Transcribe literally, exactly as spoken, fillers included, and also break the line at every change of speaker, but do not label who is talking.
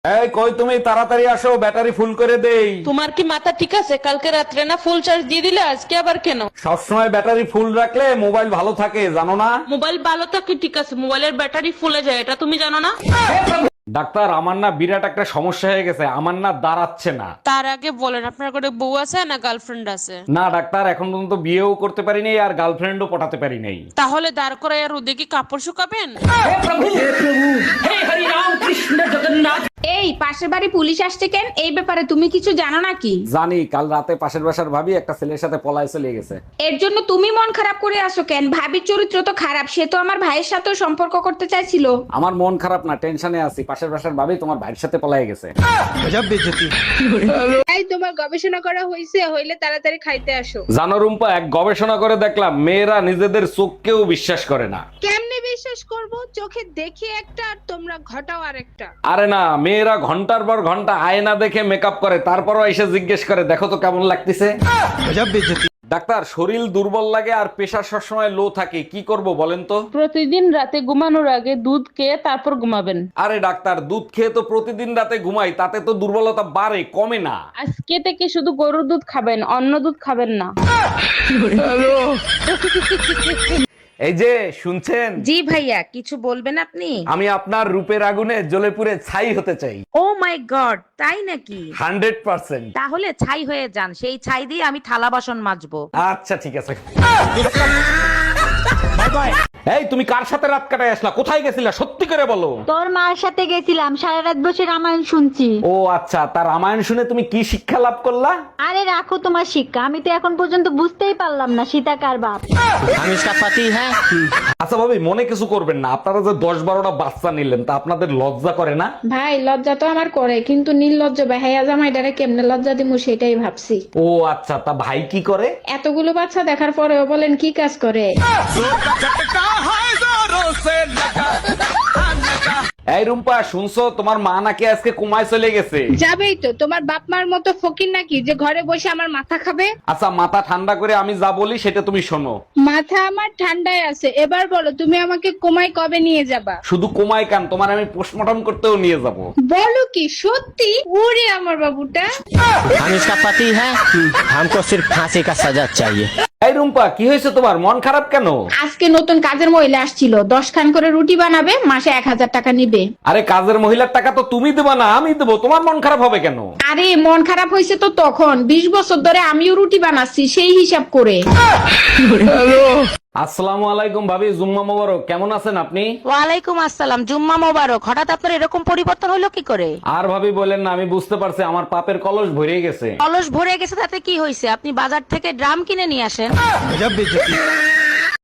এই কই তুমি, তাড়াতাড়ি আসো, ব্যাটারি ফুল করে দেই।
তোমার কি মাথা ঠিক আছে? কালকে রাত্রে না ফুল চার্জ দিয়ে দিলে, আজকে আবার কেন?
সবসময় ব্যাটারি ফুল রাখলে মোবাইল ভালো থাকে, জানো না?
মোবাইল ভালো থাকে ঠিক আছে, মোবাইলের ব্যাটারি ফুলে যায়, এটা তুমি জানো না?
ডাক্তার, আমার না বিরাট একটা সমস্যা হয়ে গেছে, আমার না দাঁড়াচ্ছে না।
তার আগে বলেন, আপনার ঘরে বউ আছে না গার্লফ্রেন্ড আছে?
না ডাক্তার, এখন পর্যন্ত বিয়েও করতে পারি নাই আর গার্লফ্রেন্ডও পটাতে পারি নাই।
তাহলে দাঁড় করে আর ওদিকে কাপড় শুকাবেন?
এই পাশের বাড়ি পুলিশ আসছে কেন? এই ব্যাপারে তুমি কিছু জানো নাকি?
জানি, কাল রাতে পাশের বাসার ভাবি একটা ছেলের সাথে পলায় চলে গেছে।
এর জন্য তুমি মন খারাপ করে আসো কেন? ভাবির চরিত্র তো খারাপ, সে তো আমার ভাইয়ের সাথেও সম্পর্ক করতে চাইছিল।
আমার মন খারাপ না, টেনশনে আছি। পাশের বাসার ভাবি তোমার ভাইয়ের সাথে পলায় গেছে।
এই তোমার গবেষণা করা হয়েছে? হইলে তাড়াতাড়ি খাইতে আসো।
জানো রুম্পা, এক গবেষণা করে দেখলাম মেয়েরা নিজেদের চোখকেও বিশ্বাস করে না।
কেমনে বিশ্বাস করব? চোখে দেখি একটা আর তোমরা ঘটাও আরেকটা।
আরে না, মেয়েরা ঘন্টার পর ঘন্টা আয়না দেখে মেকআপ করে, তারপরও এসে জিজ্ঞেস করে দেখো তো কেমন লাগতেছে। ডাক্তার, শরীর দুর্বল লাগে আর প্রেশার সবসময় লো থাকে, কি করব বলেন তো?
প্রতিদিন রাতে ঘুমানোর আগে দুধ খেয়ে তারপর ঘুমাবেন।
আরে ডাক্তার, দুধ খেয়ে তো প্রতিদিন রাতে ঘুমাই, তাতে তো দুর্বলতা বাড়ে, কমে না।
আজকে থেকে শুধু গরুর দুধ খাবেন, অন্য দুধ খাবেন না।
এই যে শুনছেন,
জি ভাইয়া, কিছু বলবেন আপনি?
আমি আপনার রূপের আগুনে জ্বলে পুড়ে ছাই হতে চাই।
ও মাই গড, তাই নাকি?
Hundred percent.
তাহলে ছাই হয়ে যান, সেই ছাই দিয়ে আমি থালা বাসন মাজবো।
আচ্ছা ঠিক আছে। এই তুমি কার সাথে রাত কাটায় আসলা? কোথায় গেছিলা সত্যি করে বলো।
তোর মার সাথে গেছিলাম, সারা রাত বসে রামায়ণ শুনছি।
ও আচ্ছা, তার রামায়ণ শুনে তুমি কি শিক্ষা লাভ করলা?
আরে রাখো তোমার শিক্ষা, আমি তো এখন পর্যন্ত বুঝতেই পারলাম না সীতা কার বাপ।
हम इसका पति है।
আচ্ছা ভাবি, মনে কিছু করবেন না, আপনারা যে দশ বারোটা বাচ্চা নিলেন তা আপনাদের লজ্জা করে না?
ভাই লজ্জা তো আমার করে, কিন্তু নির্লজ্জ বেহায়া জামাইটারে কেমনে লজ্জা দিমু সেটাই ভাবছি।
ও আচ্ছা, তা ভাই কি করে?
এতগুলো বাচ্চা দেখার পরেও বলেন কি কাজ করে?
এই রুম্পা, শুনছো তোমার মা নাকি আজকে কুমায় চলে গেছে?
যাবেই তো, তোমার বাপ মার মতো ফকির নাকি যে ঘরে বসে আমার মাথা খাবে?
আচ্ছা, মাথা ঠান্ডা করে আমি যা বলি সেটা তুমি শোনো।
মাথা আমার ঠান্ডায় আছে, এবার বলো তুমি আমাকে কোমায় কবে নিয়ে যাবা?
শুধু কুমায় কান, তোমার আমি পোস্টমর্টম করতেও নিয়ে যাব।
বলো কি সত্যি? ওরে আমার বাবুটা।
हम इसका पति है, हमको सिर्फ फांसी का सजा चाहिए।
এই রুম্পা, কি হয়েছে তোমার? মন খারাপ কেন?
আজকে নতুন কাজের মহিলা আসছিল, দশ খান করে রুটি বানাবে, মাসে এক হাজার টাকা নিবে।
আরে কাজের মহিলার টাকা তো তুমি দেবা না, আমি দেবো, তোমার মন খারাপ হবে কেন?
আরে মন খারাপ হয়েছে তো তখন, বিশ বছর ধরে আমিও রুটি বানাচ্ছি সেই হিসাব করে।
আসসালামু আলাইকুম ভাবি, জুম্মা মোবারক। কেমন আছেন আপনি?
ওয়ালাইকুম আসসালাম, জুম্মা মোবারক। হঠাৎ আপনার এরকম পরিবর্তন হলো কি করে?
আর ভাবি বলেন না, আমি বুঝতে পারছি আমার পাপের কলস ভরে গেছে।
অলস ভরে গেছে তাতে কি হয়েছে? আপনি বাজার থেকে ড্রাম কিনে নিয়ে আসেন।